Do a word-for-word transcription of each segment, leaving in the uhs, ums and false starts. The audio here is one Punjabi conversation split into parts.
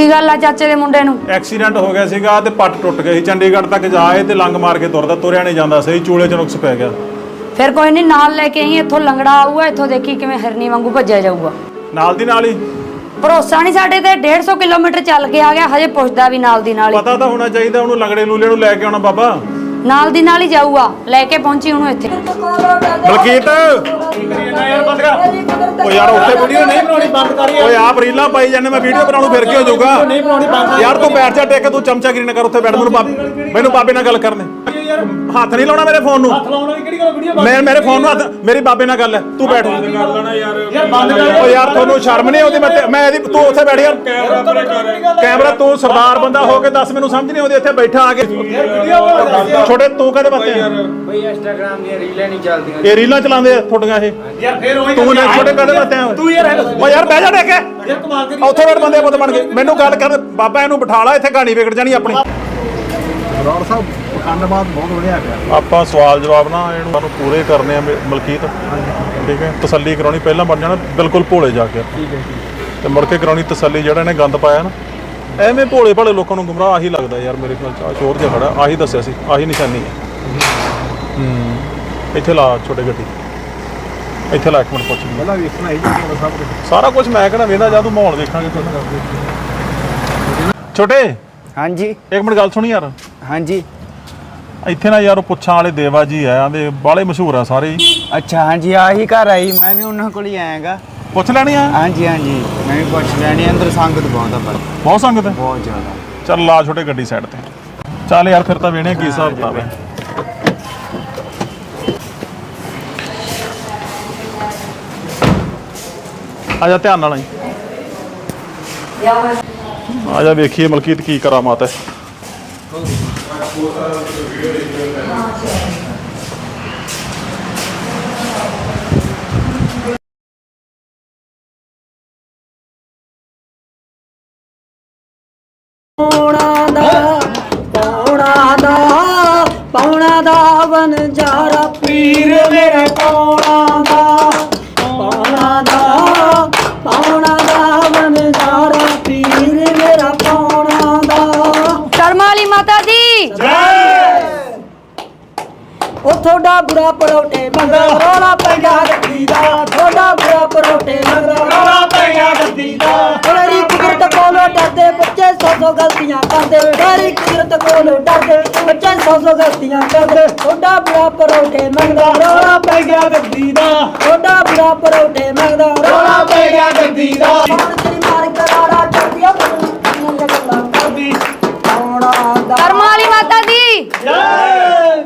गल आ चाचे दे मुंडे नूं? एक्सीडेंट हो गया सीगा ते पट टुट गई, चंडीगढ़ तक जाए ते लंग मार के तुरदा, तुरिया नहीं जांदा सही, चूले च नुक्स पै गया। फिर कोई नहीं, नाल लेके आई, इत्थों लंगड़ा आऊगा, इत्थों देखी किवें हिरनी वांगू भज्जिया जाऊगा। नाल दी नाल ही भरोसा नहीं साडे ते, डेढ़ सौ किलोमीटर चल के आ गया, हजे पुछदा भी नाल दी नाल ही। पता तो होना चाहिए उन्होंने, लंगड़े लूले नूं लैके आउणा बाबा, नाल दी नाल ही जाऊगा, लेके पहुंची उन्होंने इत्थे। बलकीत ओ यार उत्थे वीडियो नहीं बनानी, बंद कर यार। ओए आप रीलां पाई जाने, मैं वीडियो बनाऊं फिर की हो जाऊगा? नहीं बनानी, बंद यार। तू बैठ जा टेक, तू चमचागिरी ना कर उत्थे बैठ, मैनूं बाबे मैनूं बाबे नाल गल करने। हाथ नहीं लाउणा मेरे फोन नूं, हाथ लाउणा दी किहड़ी गल वीडियो बंद? मैं मेरे फोन नूं हाथ, मेरी बाबे नाल गल है, तू बैठ। कर लेना यार, यार बंद कर। ओ यार तन्नू शर्म नहीं आउंदी? मैं मैं तू उत्थे बैठ यार, कैमरा तू सरदार बंदा हो के दस, मैनूं समझ नहीं आउंदी इत्थे बैठा आ के छोटे तू कदे बातें भाई इंस्टाग्राम दी रीलां नहीं चलदियां, ये रीलां चलांदे थोड़ियां ਇਹ ਯਾਰ ਫੇਰ ਉਹੀ ਤੂੰ ਨੇ ਛੋਟੇ ਕਦੇ ਬਾਤੇ ਆ ਤੂੰ ਯਾਰ ਓ ਯਾਰ ਬਹਿ ਜਾ ਟੇਕੇ ਯਾਰ ਕਮਾਲ ਕਰੀ ਉੱਥੇ ਬੈਠ ਬੰਦੇ ਪੁੱਤ ਬਣ ਕੇ ਮੈਨੂੰ ਗੱਲ ਕਰ ਬਾਬਾ ਇਹਨੂੰ ਬਿਠਾ ਲਾ ਇੱਥੇ ਕਹਾਣੀ ਵਿਗੜ ਜਾਣੀ ਆਪਣੀ ਰੌੜ ਸਾਹਿਬ ਪਖੰਡਬਾਦ ਬਹੁਤ ਵਧੀਆ ਪਿਆ ਆਪਾਂ ਸਵਾਲ ਜਵਾਬ ਨਾ ਇਹਨੂੰ ਸਾਨੂੰ ਪੂਰੇ ਕਰਨੇ ਆ ਮਲਕੀਤ ਠੀਕ ਹੈ ਤਸੱਲੀ ਕਰਾਉਣੀ ਪਹਿਲਾਂ ਬਣ ਜਾਣਾ ਬਿਲਕੁਲ ਭੋਲੇ ਜਾ ਕੇ ਠੀਕ ਹੈ ਤੇ ਮੁੜ ਕੇ ਕਰਾਉਣੀ ਤਸੱਲੀ ਜਿਹੜਾ ਇਹਨੇ ਗੰਦ ਪਾਇਆ ਨਾ ਐਵੇਂ ਭੋਲੇ ਭਾਲੇ ਲੋਕਾਂ ਨੂੰ ਗੁੰਮਰਾਹ ਆਹੀ ਲੱਗਦਾ ਯਾਰ ਮੇਰੇ ਖਿਆਲ ਚ ਚੋਰ ਜਿਹਾ ਖੜਾ ਆਹੀ ਦੱਸਿਆ ਸੀ ਆਹੀ ਨਿਸ਼ਾਨੀ ਹੈ ਹੂੰ ਇੱਥੇ ਲਾ ਛੋਟੇ ਗੱਡੀ ਇੱਥੇ ਲਾ ਇੱਕ ਮਿੰਟ ਪੁੱਛ ਪਹਿਲਾਂ ਵੇਖਣਾ ਹੀ ਸਭ ਕੁਝ ਸਾਰਾ ਕੁਝ ਮੈਂ ਕਹਿੰਦਾ ਵੇਖਦਾ ਜਾਂ ਤੂੰ ਮਾਹੌਲ ਵੇਖਾਂਗੇ ਛੋਟੇ ਹਾਂਜੀ ਇੱਕ ਮਿੰਟ ਗੱਲ ਸੁਣੀ ਯਾਰ ਹਾਂਜੀ ਇੱਥੇ ਨਾ ਯਾਰ ਉਹ ਪੁੱਛਾਂ ਵਾਲੇ ਦੇਵਾ ਜੀ ਆ ਆਂਦੇ ਬਾਲੇ ਮਸ਼ਹੂਰ ਆ ਸਾਰੇ ਅੱਛਾ ਹਾਂਜੀ ਆਹੀ ਘਰ ਆਈ ਮੈਂ ਵੀ ਉਹਨਾਂ ਕੋਲ ਹੀ ਆਇਆਗਾ ਪੁੱਛ ਲੈਣੀ ਆ ਹਾਂਜੀ ਹਾਂਜੀ ਮੈਂ ਵੀ ਪੁੱਛ ਲੈਣੀ ਅੰਦਰ ਸੰਗਤ ਬਹੁਤ ਆ ਪਰ ਬਹੁਤ ਸੰਗਤ ਹੈ ਬਹੁਤ ਜ਼ਿਆਦਾ ਚੱਲ ਲਾ ਛੋਟੇ ਗੱਡੀ ਸਾਈਡ ਤੇ ਚੱਲ ਯਾਰ ਫਿਰ ਤਾਂ ਵੇਣੇ ਕੀ ਹਿਸਾਬ ਕਿਤਾਬ ਹੈ ਆ ਜਾ ਧਿਆਨ ਨਾਲ ਆਈ ਆ ਜਾ ਵੇਖੀਏ ਮਲਕੀਤ ਕੀ ਕਰਾਮਾਤ ਹੈ ਪੌਣਾ ਦਾ ਪੌਣਾ ਦਾ ਪੌਣਾ ਦਾ ਵਣਜਾਰਾ ਪੀਰ ਮੇਰੇ ਪੌਣਾ ਦਾ ਪੌਣਾ ਦਾ ਪੌਣਾ ਦਾ ਵਣਜਾਰਾ ਪੀਰ ਮੇਰਾ ਪੌਣਾ ਦਾ ਕਰਮਾਂ ਵਾਲੀ ਮਾਤਾ ਦੀ ਜੈ ਉਹ ਥੋੜਾ ਬੁਰਾ ਪਰੌਠੇ ਮੰਗਦਾ ਰੋਲਾ ਪੈਗਾ ਗੱਦੀ ਦਾ ਥੋੜਾ ਬੁਰਾ ਪਰੌਠੇ ਮੰਗਦਾ ਰੋਲਾ ਪੈਗਾ ਗੱਦੀ ਦਾ ਤੇਰੀ ਕੁਦਰਤ ਕੋਲੋਂ ਡਰਦੇ ਬੱਚੇ ਸੌ ਸੌ ਗਲਤੀਆਂ ਕਰਦੇ ਤੇਰੀ ਕੁਦਰਤ ਕੋਲੋਂ ਡਰਦੇ ਬੱਚੇ ਸੌ ਸੌ ਗਲਤੀਆਂ ਕਰਦੇ ਥੋੜਾ ਬੁਰਾ ਪਰੌਠੇ ਮੰਗਦਾ ਰੋਲਾ ਪੈਗਾ ਗੱਦੀ ਦਾ ਥੋੜਾ ਬੁਰਾ ਪਰੌਠੇ ਮੰਗਦਾ ਰੋਲਾ ਪੈਗਾ ਗੱਦੀ ਦਾ ਤੇਰੀ ਮਾਰ ਕਰਾੜਾ ਚੜਦੀਆਂ ਮੈਨੂੰ ਗੱਲਾਂ ਕਰਦੀ ਆਉਣਾ ਦਾ ਕਰਮਾਂ ਵਾਲੀ ਮਾਤਾ ਦੀ ਜੈ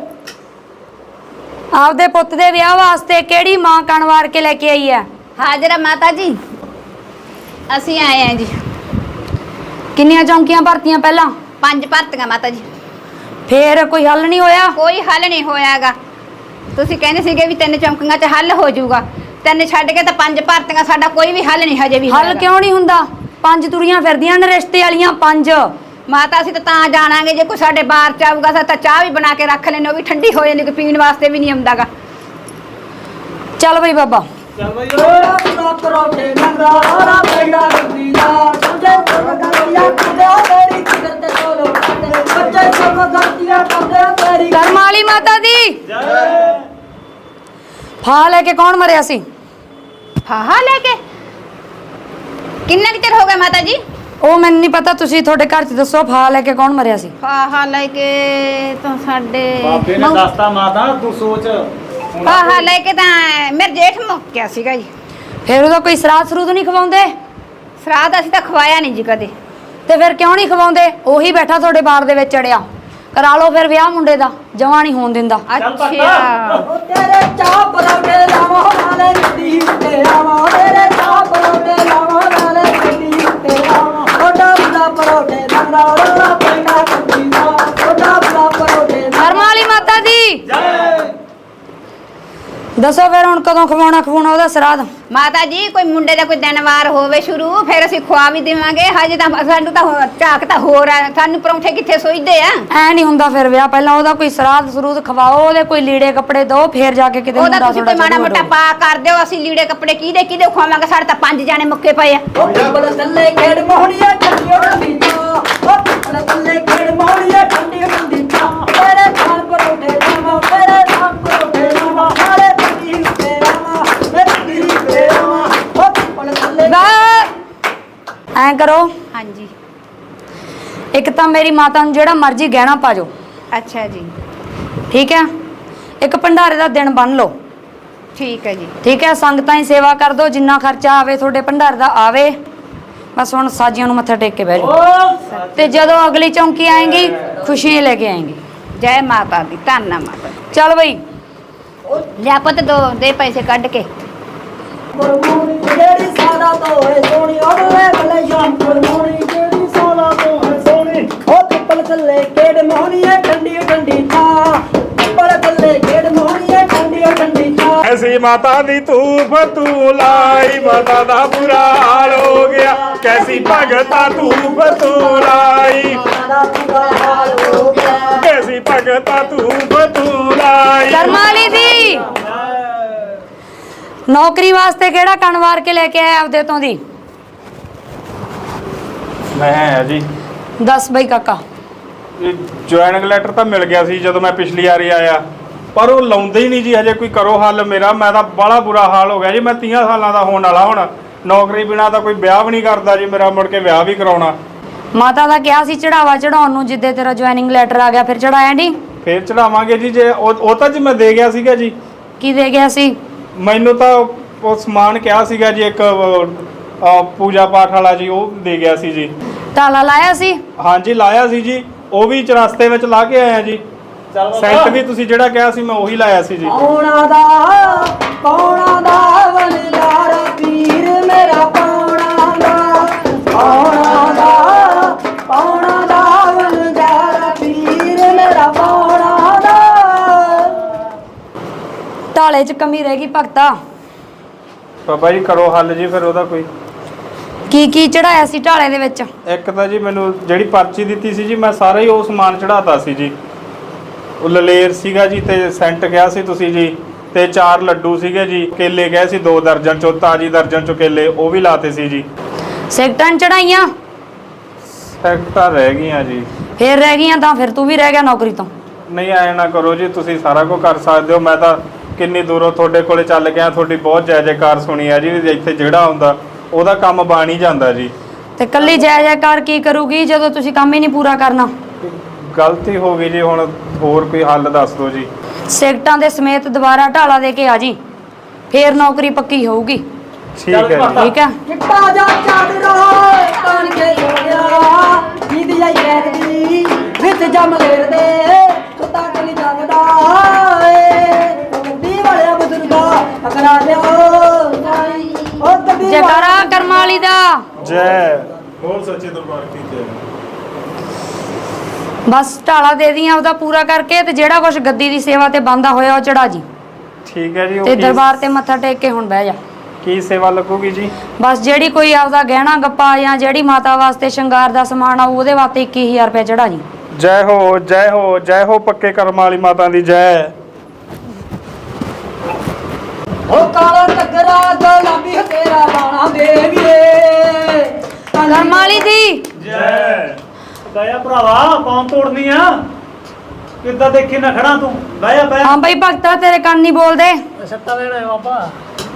ਆਪਦੇ ਪੁੱਤ ਦੇ ਵਿਆਹ ਵਾਸਤੇ ਕਿਹੜੀ ਮਾਂ ਕਣ ਵਾਰ ਕੇ ਲੈ ਕੇ ਆਈ ਹੈ ਹਾਜ਼ਰ ਮਾਤਾ ਜੀ ਅਸੀਂ ਆਏ ਆਂ ਜੀ ਕਿੰਨੀਆਂ ਚੌਂਕੀਆਂ ਭਰਤੀਆਂ ਪਹਿਲਾਂ ਪੰਜ ਭਰਤੀਆਂ ਮਾਤਾ ਜੀ ਫੇਰ ਕੋਈ ਹੱਲ ਨਹੀਂ ਹੋਇਆ ਕੋਈ ਹੱਲ ਨਹੀਂ ਹੋਇਆਗਾ ਤੁਸੀਂ ਕਹਿੰਦੇ ਸੀਗੇ ਵੀ ਤਿੰਨ ਚੌਂਕੀਆਂ 'ਚ ਹੱਲ ਹੋ ਜਾਊਗਾ ਤਿੰਨ ਛੱਡ ਕੇ ਤਾਂ ਪੰਜ ਭਰਤੀਆਂ ਸਾਡਾ ਕੋਈ ਵੀ ਹੱਲ ਨਹੀਂ ਹਜੇ ਵੀ ਹੱਲ ਕਿਉਂ ਨਹੀਂ ਹੁੰਦਾ ਪੰਜ ਤੁਰੀਆਂ ਫਿਰਦੀਆਂ ਨੇ ਰਿਸ਼ਤੇ ਵਾਲੀਆਂ ਪੰਜ ਮਾਤਾ ਅਸੀਂ ਤਾਂ ਤਾਂ ਜਾਣਾਂਗੇ ਜੇ ਕੋਈ ਸਾਡੇ ਬਾਹਰ ਚ ਆਊਗਾ ਤਾਂ ਚਾਹ ਵੀ ਬਣਾ ਕੇ ਰੱਖ ਲੈਣੇ ਉਹ ਵੀ ਠੰਡੀ ਹੋ ਜਾਂਦੀ ਕਿ ਪੀਣ ਵਾਸਤੇ ਵੀ ਨਹੀਂ ਆਉਂਦਾਗਾ ਚੱਲ ਬਈ ਬਾਬਾ ਚੱਲ ਬਈ ਰੋੜਾ ਪੂਰਾ ਪਰੌਠੇ ਮੰਗਦਾ ਰੋੜਾ ਪੈਂਦਾ ਗੱਦੀ ਦਾ ਸਮਝੇ ਸਭ ਗਲਤੀਆਂ ਕਰਦੇ ਤੇਰੀ ਕੁਦਰਤ ਕੋਲੋਂ ਕਰਦੇ ਬੱਚੇ ਸਭ ਗਲਤੀਆਂ ਕਰਦੇ ਤੇਰੀ ਕਰਮਾਂ ਵਾਲੀ ਮਾਤਾ ਦੀ ਜੈ ਫਾ ਲੈ ਕੇ ਕੌਣ ਮਰਿਆ ਸੀ ਫਾਹਾ ਲੈ ਕੇ ਕਿੰਨਾ ਕੁ ਚਿਰ ਹੋ ਗਿਆ ਮਾਤਾ ਜੀ ਉਹ ਮੈਨੂੰ ਨਹੀਂ ਪਤਾ ਤੁਸੀਂ ਤੁਹਾਡੇ ਘਰ 'ਚ ਦੱਸੋ ਫਾ ਲੈ ਕੇ ਕੌਣ ਮਰਿਆ ਸੀ ਫਾਹਾ ਲੈ ਕੇ ਤਾਂ ਸਾਡੇ ਬਾਬੇ ਨੇ ਦੱਸਤਾ ਮਾਤਾ ਤੂੰ ਸੋਚ ਫਾਹਾ ਲੈ ਕੇ ਤਾਂ ਮੇਰੇ ਜੇਠ ਮੁੱਕਿਆ ਸੀਗਾ ਜੀ ਫਿਰ ਉਹਦਾ ਕੋਈ ਸਰਾਧ ਸਰੂਦ ਨਹੀਂ ਖਵਾਉਂਦੇ ਸਰਾਧ ਅਸੀਂ ਤਾਂ ਖਵਾਇਆ ਨਹੀਂ ਜੀ ਕਦੇ ਤੇ ਫਿਰ ਕਿਉਂ ਨਹੀਂ ਖਵਾਉਂਦੇ ਉਹੀ ਬੈਠਾ ਤੁਹਾਡੇ ਬਾਰ ਦੇ ਵਿੱਚ ਅੜਿਆ ਕਰਾ ਲਓ ਫਿਰ ਵਿਆਹ ਮੁੰਡੇ ਦਾ ਜਵਾਂ ਨਹੀਂ ਹੋਣ ਦਿੰਦਾ ਅੱਛਾ ਉਹ ਤੇਰੇ ਚਾਹ ਪਰੌਂਠੇ ਲਾਵਾਂ ਨਾਲੇ ਗੱਡੀ ਉੱਤੇ ਆਵਾਂ ਤੇਰੇ ਚਾਹ ਪਰੌਂਠੇ ਲਾਵਾਂ ਨਾਲੇ ਗੱਡੀ ਉੱਤੇ ਆਵਾਂ ਥੋੜਾ ਬੁਰਾ ਪਰੌਂਠੇ ਮੰਗਦਾ ਰੋਲਾ ਪੈਂਦਾ ਗੱਡੀ ਦਾ ਥੋੜਾ ਬੁਰਾ ਪਰੌਂਠੇ ਕਰਮਾਂ ਵਾਲੀ ਮਾਤਾ ਦੀ ਜੈ ਦੱਸੋ ਫਿਰ ਹੁਣ ਕਦੋਂ ਖਵਾਉਣਾ ਖਵਾਉਣਾ ਉਹਦਾ ਸਰਾਧ ਮਾਤਾ ਜੀ ਕੋਈ ਮੁੰਡੇ ਦਾ ਕੋਈ ਦਿਨ ਵਾਰ ਹੋਵੇ ਸ਼ੁਰੂ ਫਿਰ ਅਸੀਂ ਖਵਾ ਵੀ ਦੇਵਾਂਗੇ ਹਜੇ ਤਾਂ ਸਾਨੂੰ ਤਾਂ ਝਾਕ ਤਾਂ ਹੋਰ ਆ ਸਾਨੂੰ ਪਰੌਂਠੇ ਕਿੱਥੇ ਸੋਈਦੇ ਆ ਐ ਨਹੀਂ ਹੁੰਦਾ ਫਿਰ ਵਿਆਹ ਪਹਿਲਾਂ ਉਹਦਾ ਕੋਈ ਸਰਾਧ ਸਰੂਦ ਖਵਾਓ ਉਹਦੇ ਕੋਈ ਲੀੜੇ ਕੱਪੜੇ ਦਿਓ ਫਿਰ ਜਾ ਕੇ ਕਿਤੇ ਉਹਦਾ ਤੁਸੀਂ ਕੋਈ ਮਾੜਾ ਮੋਟਾ ਪਾ ਕਰ ਦਿਓ ਅਸੀਂ ਲੀੜੇ ਕੱਪੜੇ ਕਿਹਦੇ ਕਿਹਦੇ ਖਵਾਵਾਂਗੇ ਸਾਡੇ ਤਾਂ ਪੰਜ ਜਾਣੇ ਮੁੱਕੇ ਪਏ ਆ ਉਹ ਬਲ ਥੱਲੇ ਖੇਡ ਮੋਹਣੀਆਂ ਚੱਲੀਆਂ ਕਰੋ, ਹਾਂਜੀ ਇੱਕ ਤਾਂ ਮੇਰੀ ਮਾਤਾ ਨੂੰ ਜਿਹੜਾ ਮਰਜ਼ੀ ਗਹਿਣਾ ਪਾ ਜਾਓ, ਅੱਛਾ ਜੀ ਠੀਕ ਹੈ। ਇੱਕ ਭੰਡਾਰੇ ਦਾ ਦਿਨ ਬੰਨ ਲਓ, ਠੀਕ ਹੈ ਜੀ ਠੀਕ ਹੈ। ਸੰਗਤਾਂ ਦੀ ਸੇਵਾ ਕਰ ਦਿਓ, ਜਿੰਨਾ ਖਰਚਾ ਆਵੇ ਤੁਹਾਡੇ ਭੰਡਾਰੇ ਦਾ ਆਵੇ। ਬਸ ਹੁਣ ਸਾਜੀਆਂ ਨੂੰ ਮੱਥਾ ਟੇਕ ਕੇ ਬਹਿ ਜਾਓ, ਤੇ ਜਦੋਂ ਅਗਲੀ ਚੌਂਕੀ ਆਏਗੀ ਖੁਸ਼ੀਆਂ ਲੈ ਕੇ ਆਏਗੀ। ਜੈ ਮਾਤਾ ਦੀ, ਧੰਨਾ ਮਾਤਾ ਦੀ। ਚੱਲ ਬਈ ਲਿਆ ਪੁੱਤ ਦੋ ਦੇ ਪੈਸੇ ਕੱਢ ਕੇ। ਪਰਮੋਣੀ ਜਿਹੜੀ ਸਾਦਾ ਤੋਂ ਹੈ ਸੋਹਣੀ ਉਹਦੇ ਬਲੇ ਸ਼ਾਮ ਪਰਮੋਣੀ ਜਿਹੜੀ ਸਾਦਾ ਤੋਂ ਹੈ ਸੋਹਣੀ ਉਹ ਪਿੱਪਲ ਥੱਲੇ ਕਿਹੜ ਮੋਹਣੀ ਹੈ ਠੰਡੀ ਠੰਡੀ ਥਾਂ ਪਿੱਪਲ ਥੱਲੇ ਕਿਹੜ ਮੋਹਣੀ ਹੈ ਠੰਡੀ ਠੰਡੀ ਥਾਂ ਐਸੀ ਮਾਤਾ ਦੀ ਧੂਫ ਤੂੰ ਲਾਈ ਮਾਤਾ ਦਾ ਬੁਰਾ ਹਾਲ ਹੋ ਗਿਆ ਕੈਸੀ ਭਗਤਾ ਧੂਫ ਤੂੰ ਲਾਈ ਸਾਦਾ ਪੂਰਾ ਹਾਲ ਹੋ ਗਿਆ ਕੈਸੀ ਭਗਤਾ ਧੂਫ ਤੂੰ ਲਾਈ ਕਰਮਾਂ ਵਾਲੀ ਦੀ ਨੌਕਰੀ ਵਾਸਤੇ ਕਿਹੜਾ ਕਣ ਵਾਰ ਕੇ ਲੈ ਕੇ ਆਇਆ ਆਪਦੇ ਤੋਂ ਦੀ? ਮੈਂ ਹੈ ਜੀ ਦੱਸ ਬਈ ਕਾਕਾ। ਜੁਆਇਨਿੰਗ ਲੈਟਰ ਤਾਂ ਮਿਲ ਗਿਆ ਸੀ ਜਦੋਂ ਮੈਂ ਪਿਛਲੀ ਵਾਰੀ ਆਇਆ, ਪਰ ਉਹ ਲਾਉਂਦੇ ਹੀ ਨਹੀਂ ਜੀ ਹਜੇ ਕੋਈ ਕਰੋ ਹੱਲ ਮੇਰਾ। ਮੈਂ ਤਾਂ ਬੜਾ ਬੁਰਾ ਹਾਲ ਹੋ ਗਿਆ ਜੀ, ਮੈਂ ਤੀਹ ਸਾਲਾਂ ਦਾ ਹੋਣ ਵਾਲਾ ਹੁਣ, ਨੌਕਰੀ ਬਿਨਾ ਤਾਂ ਕੋਈ ਵਿਆਹ ਵੀ ਨਹੀਂ ਕਰਦਾ ਜੀ ਮੇਰਾ, ਮੁੜ ਕੇ ਵਿਆਹ ਵੀ ਕਰਾਉਣਾ। ਮਾਤਾ ਦਾ ਕਿਹਾ ਸੀ ਚੜਾਵਾ ਚੜਾਉਣ ਨੂੰ, ਜਿੱਦੇ ਤੇਰਾ ਜੁਆਇਨਿੰਗ ਲੈਟਰ ਆ ਗਿਆ ਫਿਰ ਚੜਾਇਆ ਨਹੀਂ? ਫੇਰ ਚੜਾਵਾਂਗੇ ਜੀ, ਜੇ ਉਹ ਉਹ ਤਾਂ ਜੀ ਮੈਂ ਦੇ ਗਿਆ ਸੀਗਾ ਜੀ। ਕੀ ਦੇ ਗਿਆ ਸੀ? ਮੈਨੂੰ ਤਾਂ ਉਹ ਸਮਾਨ ਕਿਹਾ ਸੀਗਾ ਜੀ ਇੱਕ ਅਹ, ਪੂਜਾ ਪਾਠ ਵਾਲਾ ਜੀ, ਉਹ ਦੇ ਗਿਆ ਸੀ ਜੀ। ਤਾਲਾ ਲਾਇਆ ਸੀ? ਹਾਂਜੀ ਲਾਇਆ ਸੀ ਜੀ, ਉਹ ਵੀ ਚਰਸਤੇ ਵਿੱਚ ਲਾ ਕੇ ਆਇਆ ਜੀ। ਸੈਂਟ ਵੀ ਤੁਸੀਂ ਜਿਹੜਾ ਕਿਹਾ ਸੀ ਮੈਂ ਉਹੀ ਲਾਇਆ ਸੀ ਜੀ। ਪੌਣਾ ਦਾ ਪੌਣਾ ਦਾ ਵਨਜਾਰਾ ਪੀਰ ਮੇਰਾ ਪੌਣਾ ਦਾ ਪੌਣਾ ਦਾ ਪੌਣਾ ਦਾ ਵਨਜਾਰਾ ਪੀਰ ਮੇਰਾ ਪੌਣਾ ਦਾ। ਤਾਲੇ 'ਚ ਕਮੀ ਰਹਿ ਗਈ ਭਗਤਾ। ਬਾਬਾ ਜੀ ਕਰੋ ਹੱਲ ਜੀ ਫਿਰ ਉਹਦਾ ਕੋਈ। ਕੀ ਕੀ ਚੜਾਇਆ ਸੀ ਢਾਲੇ ਦੇ ਵਿੱਚ? ਇੱਕ ਤਾਂ ਜੀ ਮੈਨੂੰ ਜਿਹੜੀ ਪਰਚੀ ਦਿੱਤੀ ਸੀ ਜੀ, ਮੈਂ ਸਾਰਾ ਹੀ ਉਹ ਸਮਾਨ ਚੜਾਤਾ ਸੀ ਜੀ। ਉਹ ਲਲੇਰ ਸੀਗਾ ਜੀ, ਤੇ ਸੈਂਟ ਕਿਹਾ ਸੀ ਤੁਸੀਂ ਜੀ, ਤੇ ਚਾਰ ਲੱਡੂ ਸੀਗੇ ਜੀ, ਕੇਲੇ ਗਏ ਸੀ ਦੋ ਦਰਜਨ ਚੋਂ, ਤਾਜੀ ਦਰਜਨ ਚੋਂ ਕੇਲੇ ਉਹ ਵੀ ਲਾਤੇ ਸੀ ਜੀ। ਸਿਗਟਾਂ ਚੜਾਈਆਂ? ਸੈਕਟਾਂ ਰਹਿ ਗਈਆਂ ਜੀ। ਫੇਰ ਰਹਿ ਗਈਆਂ ਤਾਂ ਫਿਰ ਤੂੰ ਵੀ ਰਹਿ ਗਿਆ ਨੌਕਰੀ ਤੋਂ। ਨਹੀਂ ਐ ਨਾ ਕਰੋ ਜੀ, ਤੁਸੀਂ ਸਾਰਾ ਕੁਝ ਕਰ ਸਕਦੇ ਹੋ। ਮੈਂ ਤਾਂ ਕਿੰਨੀ ਦੂਰੋਂ ਤੁਹਾਡੇ ਕੋਲੇ ਚੱਲ ਗਿਆ, ਤੁਹਾਡੀ ਬਹੁਤ ਜੈ ਜੈਕਾਰ ਸੁਣੀ ਆ ਜੀ। ਇੱਥੇ ਜਿਹੜਾ ਹੁੰਦਾ ਉਹਦਾ ਕੰਮ ਬਣ ਹੀ ਜਾਂਦਾ ਜੀ। ਤੇ ਕੱਲੀ ਜੈ ਜੈਕਾਰ ਕੀ ਕਰੂਗੀ ਜਦੋਂ ਤੁਸੀਂ ਕੰਮ ਹੀ ਨਹੀਂ ਪੂਰਾ ਕਰਨਾ? ਗਲਤੀ ਹੋ ਗਈ ਜੀ, ਹੁਣ ਹੋਰ ਕੋਈ ਹੱਲ ਦੱਸ ਦਿਓ ਜੀ। ਸਿਗਟਾਂ ਦੇ ਸਮੇਤ ਦੁਬਾਰਾ ਢਾਲਾ ਦੇ ਕੇ ਆ ਜੀ, ਫੇਰ ਨੌਕਰੀ ਪੱਕੀ ਹੋਊਗੀ। ਠੀਕ ਹੈ ਜੀ। ਠੀਕ ਹੈ। ਚਿੱਟਾ ਜਾ ਚਾਦਰਾ ਤਣ ਕੇ ਜੋੜਿਆ ਦੀਦੀ ਆਈ ਬੈਠਦੀ ਵਿੱਚ ਜਮ ਲੇਰਦੇ ਸੁੱਤਾ ਕਿ ਨਹੀਂ ਜਾਗਦਾ ਏ ਗੱਡੀ ਵਾਲਿਆ ਬਜ਼ੁਰਗਾ ਅਕਰਾ ਲਿਓ ਸਾਈ ਉਹ ਗੱਡੀ ਜੈਕਾਰਾ ਕਰਮਾਂ ਵਾਲੀ ਦਾ। ਜੈ ਬੋਲ ਸੱਚੇ ਦਰਬਾਰ ਕੀ ਜੈ। ਬਸ ਢਾਲਾ ਦੇ ਦੀਆਂ ਉਹਦਾ ਪੂਰਾ ਕਰਕੇ, ਤੇ ਜਿਹੜਾ ਕੁਝ ਗੱਦੀ ਦੀ ਸੇਵਾ ਤੇ ਬੰਦਾ ਹੋਇਆ ਉਹ ਚੜਾ ਜੀ। ਠੀਕ ਹੈ ਜੀ। ਉਹ ਤੇ ਕੀ- ਦਰਬਾਰ ਤੇ ਮੱਥਾ ਟੇਕ ਕੇ ਹੁਣ ਬਹਿ ਜਾ। ਕੀ ਸੇਵਾ ਲੱਗੂਗੀ ਜੀ? ਬਸ ਜਿਹੜੀ ਕੋਈ ਆਪਦਾ ਗਹਿਣਾ ਗੱਪਾ ਜਾਂ ਜਿਹੜੀ ਮਾਤਾ ਵਾਸਤੇ ਸ਼ਿੰਗਾਰ ਦਾ ਸਮਾਨ ਆ ਉਹਦੇ ਵਾਸਤੇ ਇੱਕੀ ਹਜ਼ਾਰ ਰੁਪਏ ਚੜਾ ਜੀ। ਜੈ ਹੋ ਜੈ ਹੋ ਜੈ ਹੋ ਪੱਕੇ ਕਰਮਾਂ ਵਾਲੀ ਮਾਤਾ ਦੀ ਜੈ। ਉਹ ਕਾਲਾ ਟੱਕਰਾ ਗੁਲਾਬੀ ਤੇਰਾ ਬਾਣਾ ਦੇਵੀਏ ਕਰਮਾਂ ਵਾਲੀ ਦੀ ਜੈ। ਦਇਆ ਭਰਾਵਾ ਕੌਣ ਤੋੜਨੀ ਆ? ਕਿੱਦਾਂ ਦੇਖੀ ਨਾ ਖੜਾ ਤੂੰ? ਬਹਿ ਜਾ ਬਹਿ ਹਾਂ ਬਈ ਭਗਤਾ ਤੇਰੇ ਕੰਨ ਨਹੀਂ ਬੋਲਦੇ। ਸੱਟਾ ਲੈਣਾ ਬਾਬਾ।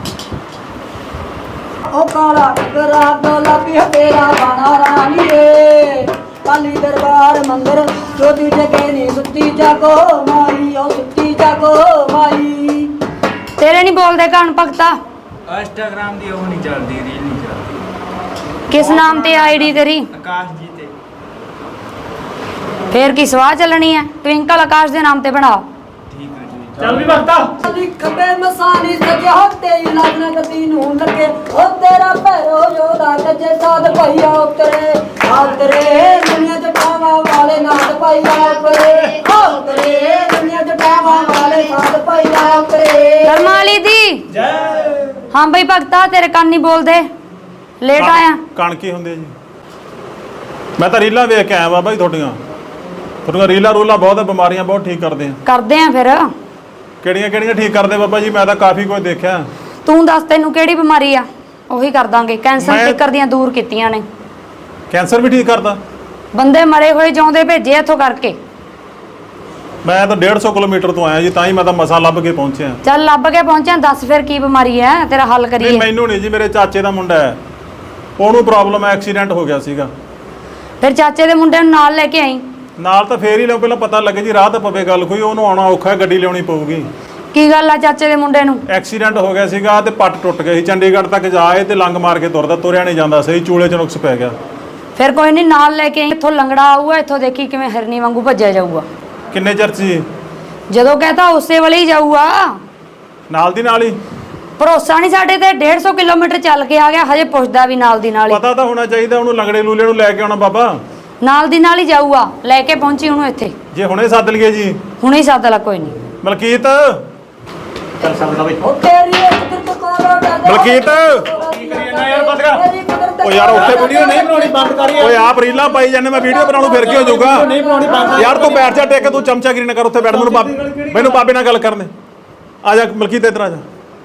ਉਹ ਕਾਲਾ ਟੱਕਰਾ ਗੁਲਾਬੀ ਤੇਰਾ ਬਾਣਾ ਰਾਣੀਏ ਕਾਲੀ ਦਰਬਾਰ ਮੰਦਰ ਜੋਤੀ ਜਗੇ ਨੀ ਸੁੱਤੀ ਜਾਗੋ ਮਾਈ ਉਹ ਸੁੱਤੀ ਜਾਗੋ ਮਾਈ। ਤੇਰੇ ਨਹੀਂ ਬੋਲਦੇ ਕੰਨ ਭਗਤਾ। ਇੰਸਟਾਗ੍ਰਾਮ ਦੀ ਉਹ ਨਹੀਂ ਚੱਲਦੀ, ਰੀਲ ਨਹੀਂ ਚੱਲਦੀ। ਕਿਸ ਨਾਮ ਤੇ ਆਈਡੀ ਤੇਰੀ? ਆਕਾਸ਼ ਜੀ ਤੇ। ਫੇਰ ਕੀ ਸਵਾਹ ਚੱਲਣੀ ਹੈ? ਟਵਿੰਕਲ ਆਕਾਸ਼ ਦੇ ਨਾਮ ਤੇ ਬਣਾ। ਠੀਕ ਹੈ ਜੀ। ਚੱਲ ਵੀ ਵਕਤਾ। ਅਲੀ ਖੱਬੇ ਮਸਾਨੀ ਸਜਿਆ ਤੇਰੀ ਲੱਗਣਾ ਗੱਦੀ ਨੂੰ ਲੱਗੇ ਉਹ ਤੇਰਾ ਭੈਰੋ ਯੋਦਾ ਗੱਜੇ ਸਾਧ ਭਈਆ ਉਤਰੇ ਉਤਰੇ ਦੁਨੀਆ ਜਟਾਵਾ ਵਾਲੇ ਨਾਥ ਭਈਆ ਉਤਰੇ ਉਤਰੇ ਦੁਨੀਆ ਜਟਾਵਾ ਵਾਲੇ ਸਾਧ ਭਈਆ ਉਤਰੇ। ਕਰਮਾਂ ਵਾਲੀ ਦੀ ਜੈ। ਹਾਂ ਬਈ ਭਗਤਾ ਤੇਰੇ ਕੰਨ ਨਹੀਂ ਬੋਲਦੇ, ਲੇਟ ਆਇਆ। ਕਣ ਕੀ ਹੁੰਦੇ ਜੀ? ਮੈਂ ਤਾਂ ਰੀਲਾਂ ਵੇਖ ਕੇ ਆਇਆ ਬਾਬਾ ਜੀ ਤੁਹਾਡੀਆਂ। ਤੁਹਾਡੀਆਂ ਰੀਲਾਂ ਰੂਲਾਂ ਬਹੁਤ ਬਿਮਾਰੀਆਂ ਬਹੁਤ ਠੀਕ ਕਰਦੇ ਆ। ਕਰਦੇ ਆ ਫਿਰ। ਕਿਹੜੀਆਂ ਕਿਹੜੀਆਂ ਠੀਕ ਕਰਦੇ ਬਾਬਾ ਜੀ? ਮੈਂ ਤਾਂ ਕਾਫੀ ਕੁਝ ਦੇਖਿਆ। ਤੂੰ ਦੱਸ ਤੈਨੂੰ ਕਿਹੜੀ ਬਿਮਾਰੀ ਆ, ਉਹੀ ਕਰ ਦਾਂਗੇ। ਕੈਂਸਰ ਮੈਂ- ਫਿਕਰ ਦੀਆਂ ਦੂਰ ਕੀਤੀਆਂ ਨੇ। ਕੈਂਸਰ ਵੀ ਠੀਕ ਕਰਦਾ? ਬੰਦੇ ਮਰੇ ਹੋਏ ਜਿਉਂਦੇ ਭੇਜੇ ਇੱਥੋਂ ਕਰਕੇ। ਮੈਂ ਤਾਂ ਡੇਢ ਸੌ ਕਿਲੋਮੀਟਰ ਤੋਂ ਆਇਆ ਜੀ, ਤਾਂ ਹੀ ਮੈਂ ਤਾਂ ਮਸਾਂ ਲੱਭ ਕੇ ਪਹੁੰਚਿਆ। ਚੱਲ ਲੱਭ ਕੇ ਪਹੁੰਚਿਆ, ਦੱਸ ਫਿਰ ਕੀ ਬਿਮਾਰੀ ਹੈ, ਤੇਰਾ ਹੱਲ ਨਹੀਂ ਕਰੀਏ। ਮੈਨੂੰ ਨਹੀਂ ਜੀ, ਮੇਰੇ ਚਾਚੇ ਦਾ ਮੁੰਡਾ ਹੈ। ਉਹਨੂੰ ਪ੍ਰੋਬਲਮ ਹੈ, ਐਕਸੀਡੈਂਟ ਹੋ ਗਿਆ ਸੀਗਾ। ਫਿਰ ਚਾਚੇ ਦੇ ਮੁੰਡੇ ਨੂੰ ਨਾਲ ਲੈ ਕੇ ਆਈ। ਨਾਲ ਤਾਂ ਫੇਰ ਹੀ ਲਿਓ, ਪਹਿਲਾਂ ਪਤਾ ਲੱਗੇ ਜੀ ਰਾਹ ਤੇ ਪਵੇ ਗੱਲ ਕੋਈ, ਉਹਨੂੰ ਆਉਣਾ ਔਖਾ ਹੈ, ਗੱਡੀ ਲਿਆਉਣੀ ਪਊਗੀ। ਕੀ ਗੱਲ ਆ ਚਾਚੇ ਦੇ ਮੁੰਡੇ ਨੂੰ? ਐਕਸੀਡੈਂਟ ਹੋ ਗਿਆ ਸੀਗਾ ਤੇ ਪੱਟ ਟੁੱਟ ਗਈ ਸੀ, ਚੰਡੀਗੜ੍ਹ ਤੱਕ ਜਾਏ ਤੇ ਲੰਗ ਮਾਰ ਕੇ ਤੁਰਦਾ, ਤੁਰਿਆ ਨਹੀਂ ਜਾਂਦਾ ਸਹੀ, ਚੂਲੇ 'ਚ ਨੁਕਸ ਪੈ ਗਿਆ। ਫਿਰ ਕੋਈ ਨਹੀਂ, ਨਾਲ ਲੈ ਕੇ ਆਈ। ਇੱਥੋਂ ਲੰਗੜਾ ਆਊਗਾ, ਇੱਥੋਂ ਦੇਖੀ ਕਿਵੇਂ ਹਿਰਨੀ ਵਾਂਗੂ ਭੱਜਿਆ ਜਾਊਗਾ। ਕਿੰਨੇ ਚਿਰ 'ਚ ਜੀ? ਜਦੋਂ ਕਹਤਾ ਉਸੇ ਵੇਲੇ ਹੀ ਜਾਊਗਾ। ਨਾਲ ਦੀ ਨਾਲ ਹੀ? ਭਰੋਸਾ ਨਹੀਂ ਸਾਡੇ ਤੇ, ਡੇਢ ਸੌ ਕਿਲੋਮੀਟਰ ਚੱਲ ਕੇ ਆ ਗਿਆ, ਹਜੇ ਪੁੱਛਦਾ ਵੀ ਨਾਲ ਦੀ ਨਾਲ ਹੀ। ਪਤਾ ਤਾਂ ਹੋਣਾ ਚਾਹੀਦਾ ਉਹਨੂੰ, ਲੰਗੜੇ ਲੂਲੇ ਨੂੰ ਲੈ ਕੇ ਆਉਣਾ ਬਾਬਾ। ਨਾਲ ਦੀ ਨਾਲ ਹੀ ਜਾਊਗਾ, ਲੈ ਕੇ ਪਹੁੰਚੀ ਉਹਨੂੰ ਇੱਥੇ। ਜੇ ਹੁਣੇ ਸੱਦ ਲਈਏ ਜੀ? ਹੁਣੇ ਹੀ ਸੱਦ ਲਾ, ਕੋਈ ਨਹੀਂ। ਮਲਕੀਤ, ਚੱਲ ਸਕਦਾ ਬਈ। ਉਹ ਤੇਰੀ ਕੁਦਰਤ ਕੋਲੋਂ ਡਰਦੇ ਮਲਕੀਤ, ਯਾਰ ਬੰਦ ਕਰ। ਤੇਰੀ ਕੁਦਰਤ ਉਹ ਯਾਰ ਉੱਥੇ ਵੀਡੀਓ ਨਹੀਂ ਬਣਾਉਣੀ, ਬੰਦ ਕਰ ਯਾਰ। ਓਏ ਆਪ ਰੀਲਾਂ ਪਾਈ ਜਾਂਦੇ, ਮੈਂ ਵੀਡੀਓ ਬਣਾਉਣੋਂ ਫਿਰ ਕੀ ਹੋ ਜਾਊਗਾ? ਨਹੀਂ ਬਣਾਉਣੀ, ਬੰਦ। ਯਾਰ ਤੂੰ ਬੈਠ ਜਾ ਟੇਕ ਕੇ, ਤੂੰ ਚਮਚਾਗਿਰੀ ਨਾ ਕਰ ਉੱਥੇ ਬੈਠ। ਮੈਨੂੰ ਬਾਬੇ ਮੈਨੂੰ ਬਾਬੇ ਨਾਲ ਗੱਲ ਕਰਨ ਦੇ। ਆ ਜਾ ਮਲਕੀਤ, ਇੱਧਰ ਆ ਜਾ,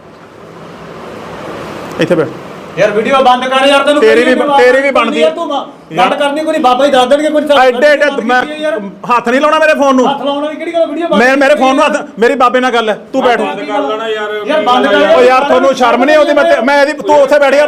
ਇੱਥੇ ਬੈਠ। ਯਾਰ ਵੀਡੀਓ ਬੰਦ ਕਰ ਯਾਰ, ਤੈਨੂੰ ਤੇਰੀ ਵੀ ਤੇਰੀ ਵੀ ਬਣਦੀ ਯਾਰ, ਤੂੰ ਬੰਦ ਕਰਨੀ ਕੋਈ, ਬਾਬਾ ਹੀ ਦੱਸ ਦੇਣਗੇ ਕੋਈ। ਐਡੇ ਐਡੇ ਮੈਂ ਹੱਥ ਨਹੀਂ ਲਾਉਣਾ ਮੇਰੇ ਫੋਨ ਨੂੰ। ਹੱਥ ਲਾਉਣ ਵਾਲੀ ਕਿਹੜੀ ਗੱਲ, ਵੀਡੀਓ ਬੰਦ। ਮੈਂ ਮੇਰੇ ਫੋਨ ਨੂੰ ਹੱਥ, ਮੇਰੀ ਬਾਬੇ ਨਾਲ ਗੱਲ ਹੈ, ਤੂੰ ਬੈਠ। ਯਾਰ ਬੰਦ ਕਰ। ਓ ਯਾਰ ਤੁਹਾਨੂੰ ਸ਼ਰਮ ਨਹੀਂ ਆਉਂਦੀ? ਮੈਂ ਮੈਂ ਇਹਦੀ ਤੂੰ ਉੱਥੇ ਬੈਠ ਯਾਰ।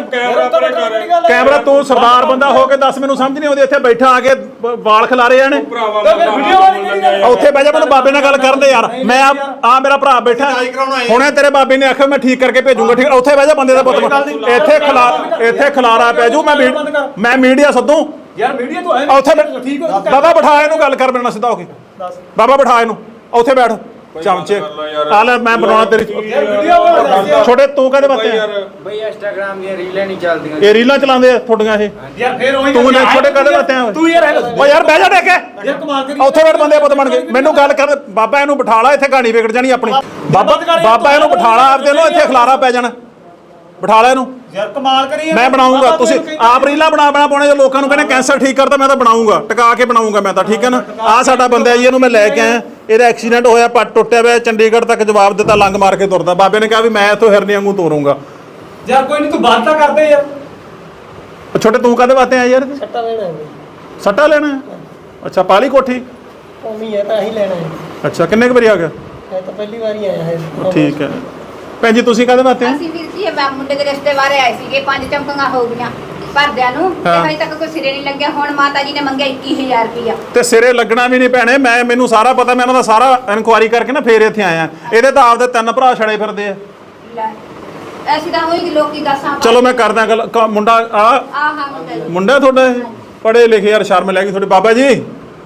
ਕੈਮਰਾ, ਤੂੰ ਸਰਦਾਰ ਬੰਦਾ ਹੋ ਕੇ ਦੱਸ, ਮੈਨੂੰ ਸਮਝ ਨਹੀਂ ਆਉਂਦੀ। ਇੱਥੇ ਬੈਠਾ ਆ ਕੇ ਬ- ਵਾਲ ਖਿਲਾਰੇ ਜਾਣੇ। ਵੀਡੀਓ ਵਾਲੀ ਕਿਹੜੀ ਗੱਲ? ਉੱਥੇ ਬਹਿ ਜਾ, ਮੈਨੂੰ ਬਾਬੇ ਨਾਲ ਗੱਲ ਕਰਨ ਦੇ ਯਾਰ। ਮੈਂ ਆ ਆ ਮੇਰਾ ਭਰਾ ਬੈਠਾ, ਹੁਣੇ ਤੇਰੇ ਬਾਬੇ ਨੇ ਆਖਿਆ ਮੈਂ ਠੀਕ ਕਰਕੇ ਭੇਜੂਗਾ। ਠੀਕ, ਉੱਥੇ ਬਹਿ ਜਾ ਬੰਦੇ ਦਾ ਪੁੱਤ। ਇੱਥੇ ਖਿਲਾ ਇੱਥੇ ਖਿਲਾਰਾ ਪੈ ਜੂ। ਮੈਂ ਮੈਂ ਮੀਡੀਆ ਸੱਦੂ ਯਾਰ ਵੀਡੀਓ ਤੂੰ ਹੈ ਉੱਥੇ ਠੀਕ ਹੋ। ਬਾਬਾ ਬਿਠਾ ਇਹਨੂੰ, ਗੱਲ ਕਰ ਮੇਰੇ ਨਾਲ ਸਿੱਧਾ ਹੋ ਕੇ। ਬਾਬਾ ਬਿਠਾ ਇਹਨੂੰ, ਉੱਥੇ ਬੈਠ। ਚਮਚੇ ਆ ਲੈ, ਮੈਂ ਬਣਾਉਣਾ ਤੇਰੀ ਛੋਟੇ। ਤੂੰ ਕਹਦੇ ਬਾਤੇ ਬਈ ਇੰਸਟਾਗ੍ਰਾਮ ਦੀਆਂ ਰੀਲਾਂ ਨਹੀਂ ਚੱਲਦੀਆਂ। ਇਹ ਰੀਲਾਂ ਚਲਾਉਂਦੇ ਆ ਤੁਹਾਡੀਆਂ ਇਹ? ਯਾਰ ਫੇਰ ਉਹੀ ਤੂੰ ਨੇ ਛੋਟੇ ਕਹਦੇ ਬਾਤੇ ਆ? ਤੂੰ ਯਾਰ ਓ ਯਾਰ ਬਹਿ ਜਾ ਟੇਕ ਕੇ। ਯਾਰ ਕਮਾਲ ਕਰੀ। ਉੱਥੇ ਬੈਠ, ਬੰਦੇ ਪੁੱਤ ਬਣ ਗਏ। ਮੈਨੂੰ ਗੱਲ ਕਰ ਬਾਬਾ, ਇਹਨੂੰ ਬਿਠਾ ਲਾ, ਇੱਥੇ ਕਹਾਣੀ ਵਿਗੜ ਜਾਣੀ ਆਪਣੀ। ਬਾਬਾ ਬਾਬਾ ਇਹਨੂੰ ਬਿਠਾ ਲਾ ਆਪਦੇ ਨੂੰ, ਇੱਥੇ ਖਲਾਰਾ ਪੈ ਜਾਣਾ। ਬਿਠਾ ਲੈ ਇਹਨੂੰ। ਯਾਰ ਕਮਾਲ ਕਰੀ। ਮੈਂ ਬਣਾਉਂਗਾ, ਤੁਸੀਂ ਆਪ ਰੀਲਾਂ ਬਣਾ ਬਣਾ ਪਾਉਣੇ। ਜੇ ਲੋਕਾਂ ਨੂੰ ਕਹਿੰਦੇ ਕੈਂਸਰ ਠੀਕ ਕਰਦਾ, ਮੈਂ ਤਾਂ ਬਣਾਉਂਗਾ, ਟਿਕਾ ਕੇ ਬਣਾਉਂਗਾ ਮੈਂ ਤਾਂ। ਠੀਕ ਹੈ ਨਾ? ਆਹ ਸਾਡਾ ਬੰਦਾ ਜੀ, ਇਹਨੂੰ ਮੈਂ ਲੈ ਕੇ ਆਇਆ, ਇਹਦਾ ਐਕਸੀਡੈਂਟ ਹੋਇਆ, ਪੱਟ ਟੁੱਟਿਆ ਹੋਇਆ, ਚੰਡੀਗੜ੍ਹ ਤੱਕ ਜਵਾਬ ਦਿੱਤਾ, ਲੰਗ ਮਾਰ ਕੇ ਤੁਰਦਾ। ਬਾਬੇ ਨੇ ਕਿਹਾ ਵੀ ਮੈਂ ਇੱਥੋਂ ਹਿਰਨੀ ਵਾਂਗੂ ਤੋਰੂੰਗਾ। ਯਾਰ ਕੋਈ ਨਹੀਂ, ਤੂੰ ਬੰਦ ਤਾਂ ਕਰਦੇ ਯਾਰ। ਛੋਟੇ ਤੂੰ ਕਾਹਦੇ ਵਾਸਤੇ ਆਇਆ ਯਾਰ? ਸੱਟਾ ਲੈਣਾ ਹੈ ਸੱਟਾ ਲੈਣਾ ਹੈ? ਅੱਛਾ, ਪਾਲੀ ਕੋਠੀ। ਉਮੀ ਹੈ ਤਾਂ ਹੀ ਲੈਣਾ ਹੈ। ਅੱਛਾ, ਕਿੰਨੇ ਕੁ ਵਾਰੀ ਆ ਗਿਆ? ਇਹ ਤਾਂ ਪਹਿਲੀ ਵਾਰੀ ਆਇਆ ਹੈ। ਠੀਕ ਹੈ ਭੈਣ ਜੀ, ਤੁਸੀਂ ਕਾਹਦੇ ਵਾਸਤੇ ਆਏ? ਅਸੀਂ ਵੀਰ ਜੀ ਇਹ ਮੁੰਡੇ ਦੇ ਰਿਸ਼ਤੇ ਬਾਰੇ ਆਏ ਸੀਗੇ, ਪੰਜ ਚਮਕੀਆਂ ਹੋ ਗਈਆਂ ਭਰਦਿਆਂ ਨੂੰ, ਤੇ ਹਾਂ। ਹਜੇ ਤੱਕ ਕੋਈ ਸਿਰੇ ਨਹੀਂ ਲੱਗਿਆ। ਹੁਣ ਮਾਤਾ ਜੀ ਨੇ ਮੰਗਿਆ ਇੱਕੀ ਹਜ਼ਾਰ ਰੁਪਇਆ। ਤੇ ਸਿਰੇ ਲੱਗਣਾ ਵੀ ਨਹੀਂ ਭੈਣੇ, ਮੈਂ ਮੈਨੂੰ ਸਾਰਾ ਪਤਾ, ਮੈਂ ਇਹਨਾਂ ਦਾ ਸਾਰਾ ਇਨਕੁਆਇਰੀ ਕਰਕੇ ਨਾ ਫੇਰ ਇੱਥੇ ਆਇਆ। ਇਹਦੇ ਤਾਂ ਆਪਦੇ ਤਿੰਨ ਭਰਾ ਛੜੇ ਫਿਰਦੇ ਆ। ਲੈ, ਐਸੀ ਤਾਂ ਹੋਈ ਲੋਕੀ ਦੱਸਾਂ। ਚਲੋ ਮੈਂ ਕਰਦਾ ਗੱਲ। ਕ- ਮੁੰਡਾ ਆ ਆਹ ਹਾਂ ਮੁੰਡਾ ਜੀ। ਮੁੰਡਾ ਤੁਹਾਡਾ ਇਹ ਪੜ੍ਹੇ ਲਿਖੇ, ਯਾਰ ਸ਼ਰਮ ਲੈ ਗਈ ਤੁਹਾਡੇ। ਬਾਬਾ ਜੀ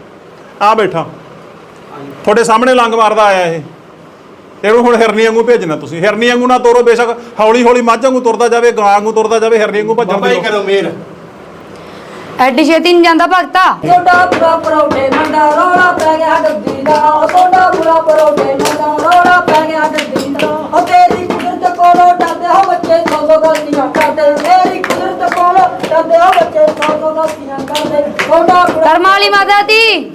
ਆ ਬੈਠਾ, ਤੁਹਾਡੇ ਸਾਹਮਣੇ ਲੰਗ ਮਾਰਦਾ ਆਇਆ ਇਹ। ਇਹਨੂੰ ਹੁਣ ਹਿਰਨੀ ਵਾਂਗੂ ਭੇਜਣਾ ਤੁਸੀਂ। ਹਿਰਨੀ ਵਾਂਗੂ ਨਾ ਤੋਰੋ, ਬੇਸ਼ੱਕ ਹੌਲੀ ਹੌਲੀ ਮੱਝ ਵਾਂਗੂ ਤੁਰਦਾ ਜਾਵੇ, ਗਾਂ ਵਾਂਗੂ ਤੁਰਦਾ ਜਾਵੇ, ਹਿਰਨੀ ਵਾਂਗੂ ਭੱਜਣ ਦੀ ਕਰੋ ਮੇਰ। ਐਡੀ ਛੇਤੀ ਨਹੀਂ ਜਾਂਦਾ ਭਗਤਾ। ਸੋਡਾ ਬੁਰਾ ਪਰੌਠੇ ਮੰਡਾ ਰੋਲਾ ਪੈ ਗਿਆ ਗੱਦੀ ਦਾ। ਉਹ ਸੋਡਾ ਬੁਰਾ ਪਰੌਠੇ ਮੰਡਾ ਰੋਲਾ ਪੈ ਗਿਆ ਗੱਦੀ ਦਾ। ਉਹ ਤੇਰੀ ਕੁਦਰਤ ਕੋਲੋਂ ਡਰਦੇ ਹੋ ਬੱਚੇ, ਸੌ ਸੌ ਗਲਤੀਆਂ ਕਰਦੇ। ਤੇਰੀ ਕੁਦਰਤ ਕੋਲੋਂ ਡਰਦੇ ਹੋ ਬੱਚੇ, ਸੌ ਸੌ ਗਲਤੀਆਂ ਕਰਦੇ। ਸੋਡਾ ਬੁਰਾ ਕਰਮਾਂ ਵਾਲੀ ਮਾਤਾ ਦੀ।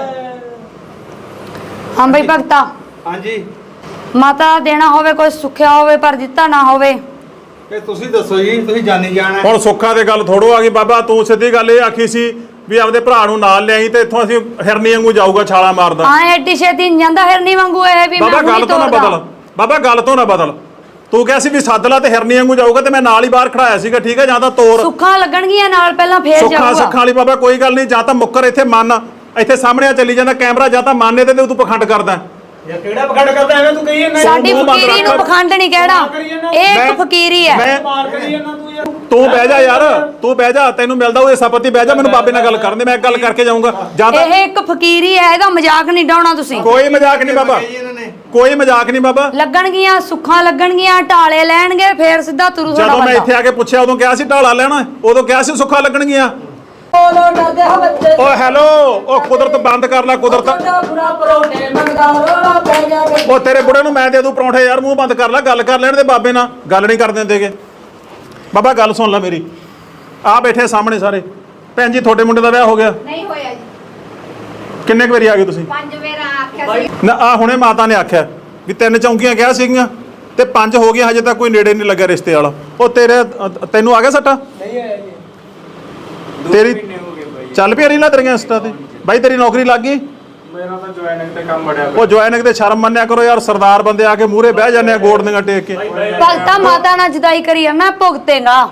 ਹਾਂ ਬਈ ਭਗਤਾ, ਹਾਂਜੀ, ਮਾਤਾ ਦੇਣਾ ਹੋਵੇ, ਕੋਈ ਸੁੱਖਿਆ ਹੋਵੇ ਪਰ ਦਿੱਤਾ ਨਾ ਹੋਵੇ। ਤੇ ਤੁਸੀਂ ਦੱਸੋ ਜੀ, ਤੁਸੀਂ ਜਾਣੀ ਜਾਣਾ। ਹੁਣ ਸੁੱਖਾਂ ਦੇ ਗੱਲ ਥੋੜੋ ਆ ਗਈ ਬਾਬਾ। ਤੂੰ ਸਿੱਧੀ ਗੱਲ ਇਹ ਆਖੀ ਸੀ ਵੀ ਆਪਦੇ ਭਰਾ ਨੂੰ ਨਾਲ ਲਿਆਈ ਤੇ ਇੱਥੋਂ ਅਸੀਂ ਹਿਰਨੀ ਵਾਂਗੂ ਜਾਊਗਾ, ਛਾਲਾ ਮਾਰਦਾ। ਹਾਂ ਐਡੀ ਛੇਤੀ ਨਹੀਂ ਜਾਂਦਾ ਹਿਰਨੀ ਵਾਂਗੂ, ਇਹ ਵੀ ਮੈਂ ਬਾਬਾ ਗੱਲ ਹੁਣੀ ਤੋਂ ਨਾ ਤੋਰਦਾ। ਬਦਲ, ਬਾਬਾ ਗੱਲ ਤੋਂ ਨਾ ਬਦਲ। ਤੂੰ ਕਿਹਾ ਸੀ ਵੀ ਸੱਦ ਲਾ ਤੇ ਹਿਰਨੀ ਵਾਂਗੂ ਜਾਊਗਾ, ਤੇ ਮੈਂ ਨਾਲ ਹੀ ਬਾਹਰ ਖੜਾਇਆ ਸੀਗਾ। ਠੀਕ ਹੈ, ਜਾਂ ਤਾਂ ਤੋਰ ਸੁੱਖਾਂ ਲੱਗਣਗੀਆਂ ਨਾਲ, ਪਹਿਲਾਂ ਫੇਰ ਸੁੱਖਾਂ ਜਾਊਗਾ। ਸੁੱਖਾਂ ਵਾਲੀ ਬਾਬਾ ਕੋਈ ਗੱਲ ਨਹੀਂ। ਜਾਂ ਤਾਂ ਮੁੱਕਰ ਇੱਥੇ ਮੰਨ, ਇੱਥੇ ਸਾਹਮਣੇ ਆ ਚੱਲੀ ਜਾਂਦਾ ਕੈਮਰਾ, ਜਾਂ ਤਾਂ ਮੰਨ ਇਹਦੇ ਤੇ ਤੂੰ ਪਖੰਡ ਕਰਦਾ। ਯਾਰ ਕਿਹੜਾ ਪਖੰਡ ਕਰਦਾ ਐਵੇਂ ਤੂੰ ਕਹੀ ਜਾਂਦਾ? ਸਾਡੀ ਮੂੰਹ ਬੰਦ ਫਕੀਰੀ ਨੂੰ ਰੱਖ। ਪਖੰਡ ਨਹੀਂ ਕਹਿਣਾ, ਇਹ ਮੈਂ- ਇੱਕ ਫਕੀਰੀ ਹੈ। ਮੈਂ ਮਾਰ ਕਰੀ ਜਾਂਦਾ ਤੂੰ ਯਾਰ। ਤੂੰ ਬਹਿ ਜਾ ਯਾਰ, ਤੂੰ ਬਹਿ ਜਾ, ਤੈਨੂੰ ਮਿਲਦਾ ਉਹ ਸਪਤੀ। ਬਹਿ ਜਾ, ਮੈਨੂੰ ਬਾਬੇ ਨਾਲ ਗੱਲ ਕਰਨ ਦੇ, ਮੈਂ ਗੱਲ ਕਰਕੇ ਜਾਊਂਗਾ। ਜਾਂ ਤਾਂ ਇਹ ਇੱਕ ਫਕੀਰੀ ਹੈ, ਇਹਦਾ ਮਜ਼ਾਕ ਨਹੀਂ ਡਾਉਣਾ ਤੁਸੀਂ। ਕੋਈ ਮਜ਼ਾਕ ਨਹੀਂ ਬਾਬਾ, ਕੋਈ ਮਜ਼ਾਕ ਨਹੀਂ ਬਾਬਾ। ਲੱਗਣਗੀਆਂ ਸੁੱਖਾਂ, ਲੱਗਣਗੀਆਂ ਢਾਲੇ ਲੈਣਗੇ, ਫੇਰ ਸਿੱਧਾ ਤੁਰੂ ਜਦੋਂ ਤੁਹਾਡਾ ਮੈਂ ਬੰਦਾ। ਇੱਥੇ ਆ ਕੇ ਪੁੱਛਿਆ, ਉਦੋਂ ਕਿਹਾ ਸੀ ਢਾਲਾ ਲੈਣਾ, ਉਦੋਂ ਕਿਹਾ ਸੀ ਸੁੱਖਾਂ ਲੱਗਣਗੀਆਂ। ਕੋਲੋਂ ਡਰਦੇ ਹੋ ਬੱਚੇ। ਓ ਹੈਲੋ, ਓ ਕੁਦਰਤ ਬੰਦ ਕਰ ਲੈ, ਕੁਦਰਤ। ਸੋਡਾ ਬੁਰਾ ਪਰੌਠੇ ਮੰਡਾ ਰੋਲਾ ਪੈ ਗਿਆ ਗੱਦੀ। ਓ ਤੇਰੇ ਬੁੜੇ ਨੂੰ ਮੈਂ ਦੇ ਦੂੰ ਪਰੌਂਠੇ ਯਾਰ, ਮੂੰਹ ਬੰਦ ਕਰ ਲੈ, ਗੱਲ ਕਰ ਲੈਣ ਦੇ ਬਾਬੇ ਨਾਲ। ਗੱਲ ਨਹੀਂ ਕਰ ਦਿੰਦੇਗੇ ਬਾਬਾ, ਗੱਲ ਸੁਣ ਲੈ ਮੇਰੀ। ਆ ਬੈਠੇ ਸਾਹਮਣੇ ਸਾਰੇ। ਭੈਣ ਜੀ ਤੁਹਾਡੇ ਮੁੰਡੇ ਦਾ ਵਿਆਹ ਹੋ ਗਿਆ? ਨਹੀਂ ਹੋਇਆ ਜੀ। ਕਿੰਨੇ ਕੁ ਵਾਰੀ ਆ ਗਏ ਤੁਸੀਂ? ਪੰਜ ਵੇਰਾ ਆਖਿਆ ਸੀ। ਨਾ ਆ ਹੁਣੇ ਮਾਤਾ ਨੇ ਆਖਿਆ ਵੀ ਤਿੰਨ ਚੌਂਕੀਆਂ ਕਿਹਾ ਸੀਗੀਆਂ ਤੇ ਪੰਜ ਹੋ ਗਈਆਂ, ਹਜੇ ਤੱਕ ਕੋਈ ਨੇੜੇ ਨਹੀਂ ਲੱਗਾ ਰਿਸ਼ਤੇ ਵਾਲਾ। ਉਹ ਤੇਰੇ ਅ, ਤੈਨੂੰ ਆ ਗਿਆ ਸੱਟਾ? ਨਹੀਂ ਆਇਆ ਜੀ। ਤੇਰੀ ਚੱਲ ਪਿਆ ਰੀਲਾਂ ਤੇਰੀਆਂ ਇੰਸਟਾ ਤੇ? ਬਾਈ ਤੇਰੀ ਨੌਕਰੀ ਲੱਗ ਗਈ? ਮੇਰਾ ਤਾਂ ਜੁਆਇਨਿੰਗ ਤੇ ਕੰਮ ਬੜਿਆ। ਉਹ ਜੁਆਇਨਿੰਗ ਤੇ ਸ਼ਰਮ ਮੰਨਿਆ ਕਰੋ ਯਾਰ। ਸਰਦਾਰ ਬੰਦੇ ਆ ਕੇ ਮੂਹਰੇ ਬਹਿ ਜਾਂਦੇ ਆ, ਗੋੜ ਦੀਆਂ ਟੇਕ ਕੇ। ਭਗਤਾ ਮਾਤਾ ਨਾਲ ਜਦਾਈ ਕਰੀ ਆ, ਮੈਂ ਭੁਗਤੇਗਾ।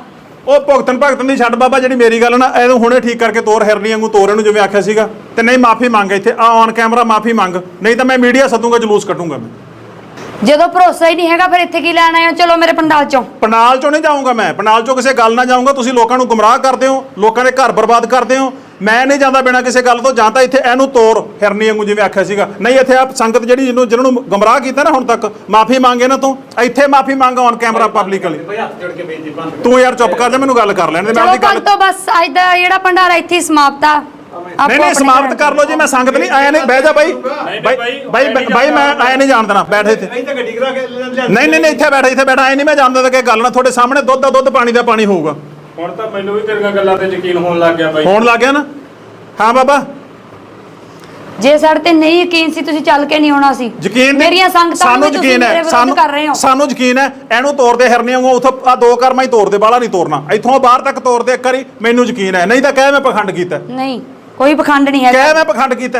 ਉਹ ਭੁਗਤਣ ਭਗਤਣ ਦੀ ਛੱਡ ਬਾਬਾ, ਜਿਹੜੀ ਮੇਰੀ ਗੱਲ ਨਾ ਇਹਨੂੰ ਹੁਣੇ ਠੀਕ ਕਰਕੇ ਤੋਰ, ਹਿਰਨੀ ਵਾਂਗੂ ਤੋਰ ਇਹਨੂੰ ਜਿਵੇਂ ਆਖਿਆ ਸੀਗਾ। ਤੇ ਨਹੀਂ ਮਾਫੀ ਮੰਗ ਇੱਥੇ ਆ ਔਨ ਕੈਮਰਾ ਮਾਫੀ ਮੰਗ, ਨਹੀਂ ਤਾਂ ਮੈਂ ਮੀਡੀਆ ਸੱਦੂਗਾ, ਜਲੂਸ ਕੱਢੂੰਗਾ ਮੈਂ। ਜਦੋਂ ਭਰੋਸਾ ਹੀ ਨਹੀਂ ਹੈਗਾ ਫਿਰ ਇੱਥੇ ਕੀ ਲੈਣ ਆਏ ਹੋ? ਚਲੋ ਮੇਰੇ ਪੰਡਾਲ ਚੋਂ। ਪੰਡਾਲ ਚੋਂ ਨਹੀਂ ਜਾਊਂਗਾ ਮੈਂ, ਪੰਡਾਲ ਚੋਂ ਕਿਸੇ ਗੱਲ ਨਾ ਜਾਊਂਗਾ। ਤੁਸੀਂ ਲੋਕਾਂ ਨੂੰ ਗੁੰਮਰਾਹ ਕਰਦੇ ਹੋ, ਲੋਕਾਂ ਦੇ ਘਰ ਬਰਬਾਦ ਕਰਦੇ ਹੋ। ਮੈਂ ਨਹੀਂ ਜਾਂਦਾ ਬਿਨਾਂ ਕਿਸੇ ਗੱਲ ਤੋਂ। ਜਾਂ ਤਾਂ ਇੱਥੇ ਇਹਨੂੰ ਤੋਰ ਹਿਰਨੀ ਵਾਂਗੂ ਜਿਵੇਂ ਆਖਿਆ ਸੀਗਾ, ਨਹੀਂ ਇੱਥੇ ਆ ਸੰਗਤ ਜਿਹੜੀ ਜਿਹਨੂੰ ਜਿਹਨਾਂ ਨੂੰ ਗੁੰਮਰਾਹ ਕੀਤਾ ਨਾ ਹੁਣ ਤੱਕ, ਮਾਫੀ ਮੰਗ ਇਹਨਾਂ ਤੋਂ। ਇੱਥੇ ਮਾਫੀ ਮੰਗ ਔਨ ਕੈਮਰਾ ਪਬਲਿਕਲੀ। ਤੂੰ ਯਾਰ ਚੁੱਪ ਕਰ ਜਾ, ਮੈਨੂੰ ਗੱਲ ਕਰ ਲੈਣ ਦੇ। ਮੈਂ ਚਲੋ ਆਪਣੀ ਗੱਲ ਭਗਤੋ ਬਸ ਅੱਜ ਦਾ ਜਿਹੜਾ ਭੰਡਾਰਾ ਇੱਥੇ ਹੀ ਸਮਾਪਤ ਆ। ਨਹੀਂ ਨਹੀਂ ਸਮਾਪਤ ਕਰ ਲਓ ਜੀ, ਮੈਂ ਸੰਗਤ ਨਹੀਂ ਆਇਆ। ਨਹੀਂ ਬਹਿ ਜਾ ਬਾਈ, ਬਾਈ ਬਾਈ ਮੈਂ ਆਇਆ ਨਹੀਂ ਜਾਣ ਦੇਣਾ। ਬੈਠ ਇੱਥੇ। ਨਹੀਂ ਨਹੀਂ ਇੱਥੇ ਬੈਠ, ਇੱਥੇ ਬੈਠ। ਆਏ ਨਹੀਂ ਮੈਂ ਜਾਣਦਾ ਕਿ ਗੱਲ ਨਾ ਤੁਹਾਡੇ ਸਾਹਮਣੇ ਦੁੱਧ ਦਾ ਦੁੱਧ, ਪਾਣੀ ਦਾ ਪਾਣੀ ਹੋਊਗਾ। ਹੁਣ ਤਾਂ ਮੈਨੂੰ ਵੀ ਤੇਰੀਆਂ ਗੱਲਾਂ ਤੇ ਯਕੀਨ ਹੋਣ ਲੱਗ ਗਿਆ ਬਾਈ। ਹੋਣ ਲੱਗ ਗਿਆ ਨਾ? ਹਾਂ ਬਾਬਾ, ਜੇ ਸਾਡੇ ਤੇ ਨਹੀਂ ਯਕੀਨ ਸੀ ਤੁਸੀਂ ਚੱਲ ਕੇ ਨਹੀਂ ਆਉਣਾ ਸੀ। ਯਕੀਨ ਮੇਰੀਆਂ ਸੰਗਤਾਂ ਸਾਨੂੰ ਨੂੰ ਯਕੀਨ ਹੈ, ਸਾਨੂੰ ਕਰ ਰਹੇ ਹੋ। ਸਾਨੂੰ ਯਕੀਨ ਹੈ। ਇਹਨੂੰ ਤੋੜਦੇ ਹਿਰਨੀ ਵਾਂਗੂ ਉਥੋਂ ਆ ਦੋ ਕਰਮਾਂ ਹੀ ਤੋੜਦੇ, ਬਾਹਲਾ ਨਹੀਂ ਤੋੜਨਾ। ਇੱਥੋਂ ਬਾਹਰ ਤੱਕ ਤੋੜਦੇ ਇੱਕ ਵਾਰੀ, ਮੈਨੂੰ ਯਕੀਨ ਹੈ। ਨਹੀਂ ਤਾਂ ਕਹਿ ਮੈਂ ਪਖੰਡ ਕੀਤਾ। ਨਹੀਂ ਕੋਈ ਪਖੰਡ ਨਹੀਂ ਹੈਗਾ। ਕਹਿ ਮੈਂ ਪਖੰਡ ਕੀਤਾ।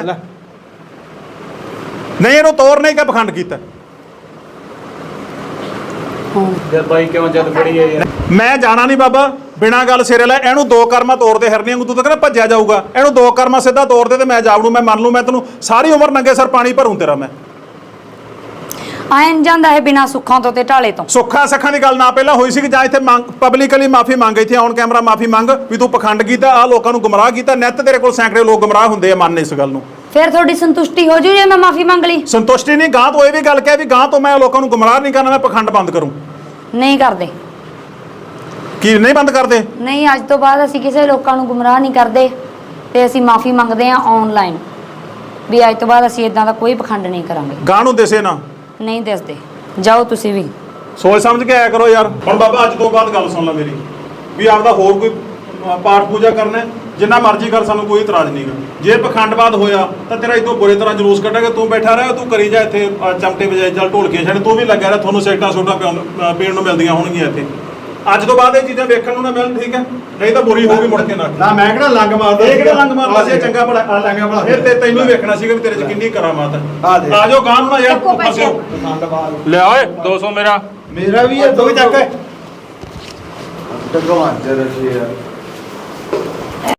ਨਹੀਂ ਇਹਨੂੰ ਤੋੜ ਨਹੀਂ ਕਿ ਪਖੰਡ ਕੀਤਾ। ਯਾਰ ਬਾਈ ਕਿਉਂ ਜਦ ਫੜੀ ਹੈ ਯਾਰ? ਮੈਂ ਜਾਣਾ ਨਹੀਂ ਬਾਬਾ, ਬਿਨਾਂ ਗੱਲ ਸਿਰੇ ਲੈ। ਇਹਨੂੰ ਦੋ ਕਰਮਾਂ ਤੋੜਦੇ ਹਿਰਨੀ ਵਾਂਗੂ। ਤੂੰ ਤਾਂ ਕਹਿੰਦਾ ਭੱਜਿਆ ਜਾਊਗਾ, ਇਹਨੂੰ ਦੋ ਕਰਮਾਂ ਸਿੱਧਾ ਤੋੜਦੇ ਤੇ ਮੈਂ ਜਾਵੜੂ। ਮੈਂ ਮੰਨ ਲੂ, ਮੈਂ ਤੈਨੂੰ ਸਾਰੀ ਉਮਰ ਨੰਗੇ ਸਰ ਪਾਣੀ ਭਰੂੰ ਤੇਰਾ ਮੈਂ। ਆਇਨ ਜਾਂਦਾ ਹੈ ਬਿਨਾਂ ਸੁੱਖਾਂ ਤੋਂ ਤੇ ਢਾਲੇ ਤੋਂ। ਸੁੱਖਾਂ ਸੱਖਾਂ ਦੀ ਗੱਲ ਨਾ ਪਹਿਲਾਂ ਹੋਈ ਸੀ ਕਿ ਜਾਂ ਇੱਥੇ ਮੰਗ ਪਬਲਿਕਲੀ ਮਾਫੀ ਮੰਗ, ਇੱਥੇ ਔਨ ਕੈਮਰਾ ਮਾਫੀ ਮੰਗ ਵੀ ਤੂੰ ਪਖੰਡ ਕੀਤਾ, ਆ ਲੋਕਾਂ ਨੂੰ ਗੁੰਮਰਾਹ ਕੀਤਾ। ਨਿੱਤ ਤੇਰੇ ਕੋਲ ਸੈਂਕੜੇ ਲੋਕ ਗੁੰਮਰਾਹ ਹੁੰਦੇ ਆ, ਮੰਨ ਇਸ ਗੱਲ ਨੂੰ। ਫਿਰ ਤੁਹਾਡੀ ਸੰਤੁਸ਼ਟੀ ਹੋ ਜੂ ਜੇ ਮੈਂ ਮਾਫੀ ਮੰਗ ਲਈ? ਸੰਤੁਸ਼ਟੀ ਨਹੀਂ, ਗਾਂ ਤੋਂ ਇਹ ਵੀ ਗੱਲ ਕਹਿ ਵੀ ਗਾਂ ਤੋਂ ਮੈਂ ਲੋਕਾਂ ਨੂੰ ਗੁੰਮਰਾਹ ਨਹੀਂ ਕਰਨਾ, ਮੈਂ ਪਖੰਡ ਬੰਦ ਕਰੂੰ। ਨਹੀਂ ਕਰਦੇ। ਕੀ ਨਹੀਂ ਬੰਦ ਕਰਦੇ? ਨਹੀਂ, ਅੱਜ ਤੋਂ ਬਾਅਦ ਅਸੀਂ ਕਿਸੇ ਲੋਕਾਂ ਨੂੰ ਗੁੰਮਰਾਹ ਨਹੀਂ ਕਰਦੇ ਤੇ ਅਸੀਂ ਮਾਫੀ ਮੰਗਦੇ ਹਾਂ ਆਨਲਾਈਨ ਵੀ ਅੱਜ ਤੋਂ ਬਾਅਦ ਅਸੀਂ ਇਦਾਂ ਦਾ ਕੋਈ ਪਖੰਡ ਨਹੀਂ ਕਰਾਂਗੇ। ਗਾਂ ਨੂੰ ਦਿਸੇ ਨਾ। ਨਹੀਂ ਦੱਸਦੇ। ਜਾਓ ਤੁਸੀਂ ਵੀ ਸੋਚ ਸਮਝ ਕੇ ਆਇਆ ਕਰੋ ਯਾਰ। ਹੁਣ ਬਾਬਾ ਅੱਜ ਤੋਂ ਬਾਅਦ ਗੱਲ ਸੁਣ ਲੈ ਮੇਰੀ, ਵੀ ਆਪਦਾ ਹੋਰ ਕੋਈ ਅ, ਪਾਠ ਪੂਜਾ ਕਰਨਾ ਜਿੰਨਾ ਮਰਜ਼ੀ ਕਰ, ਸਾਨੂੰ ਕੋਈ ਇਤਰਾਜ਼ ਨਹੀਂਗਾ। ਜੇ ਪਖੰਡਵਾਦ ਹੋਇਆ ਤਾਂ ਤੇਰਾ ਇਦੋਂ ਬੁਰੇ ਤਰ੍ਹਾਂ ਜਲੂਸ ਕੱਢਾਂਗੇ। ਤੂੰ ਬੈਠਾ ਰਹਿ, ਤੂੰ ਕਰੀ ਜਾ ਇੱਥੇ ਅ, ਚਮਟੇ ਵਜਾਈ ਚੱਲ, ਢੋਲਕੀਆਂ ਛੱਡ, ਤੂੰ ਵੀ ਲੱਗਿਆ ਰਹਿ। ਤੁਹਾਨੂੰ ਸਿਗਰਟਾਂ ਸੋਟਾਂ ਪਿਆਉਣ ਪੀਣ ਨੂੰ ਮਿਲਦੀਆਂ ਹੋਣਗੀਆਂ ਇੱਥੇ। ਅੱਜ ਤੋਂ ਬਾਅਦ ਇਹ ਚੀਜ਼ਾਂ ਵੇਖਣ ਨੂੰ ਨਾ ਮਿਲਣ, ਠੀਕ ਹੈ? ਨਹੀਂ ਤਾਂ ਬੁਰੀ ਹੋਊਗੀ ਮੁੜ ਕੇ ਨਾ। ਨਾ ਮੈਂ ਕਿਹੜਾ ਲੰਗ ਮਾਰਦਾ, ਇਹ ਕਿਹੜਾ ਲੰਗ ਮਾਰਦਾ ਸੀ? ਚੰਗਾ ਭਲਾ ਆ ਲੰਗਾ ਭਲਾ। ਫਿਰ ਤੇ ਤੈਨੂੰ ਵੇਖਣਾ ਸੀਗਾ ਵੀ ਤੇਰੇ 'ਚ ਕਿੰਨੀ ਕਰਾਮਾਤ ਹੈ। ਆ ਦੇ। ਆ ਜਾਓ ਗਾਂ ਨੂੰ ਨਾ ਯਾਰ ਚੱਕੋ ਪੈਸੇ। ਫਸਿਓ। ਲਿਆ ਓਏ ਦੋ ਸੌ ਮੇਰਾ। ਮੇਰਾ ਵੀ ਇਹ ਦੋ ਚੱਕ। ਭਗਵਾਨ ਜੀ ਰੱਖੀ ਯਾਰ।